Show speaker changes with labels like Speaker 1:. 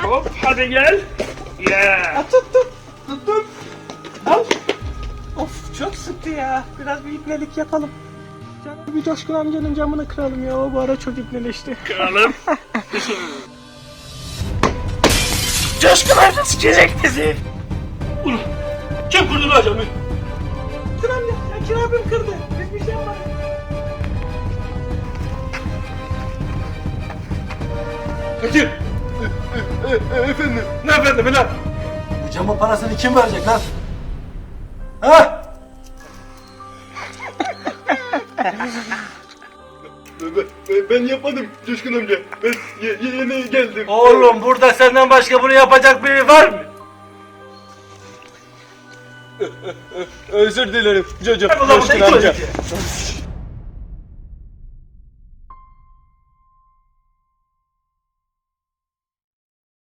Speaker 1: Hop hadi gel. Yeah.
Speaker 2: Tuttum. Al. Of çok sıktı ya. Biraz bir ipnelik yapalım. Canım bir Coşkun amcanın camını kıralım ya. O bu ara çok ipneleşti.
Speaker 1: Kralım. Coşkun amca sikecek bizi. Ulan kim kurdu lan camı?
Speaker 2: Coşkun amca, Şakir abim kırdı. Biz bir şey yapmadık.
Speaker 1: Fakir. Efendim. Ne efendim lan?
Speaker 3: Bu camın parasını kim verecek lan? Ha?
Speaker 1: Ben yapmadım Coşkun amca. Ben yeni geldim.
Speaker 3: Oğlum burada senden başka bunu yapacak biri var mı?
Speaker 1: Özür dilerim Coşkun
Speaker 3: Ulan bu da
Speaker 1: amca.
Speaker 3: itolik.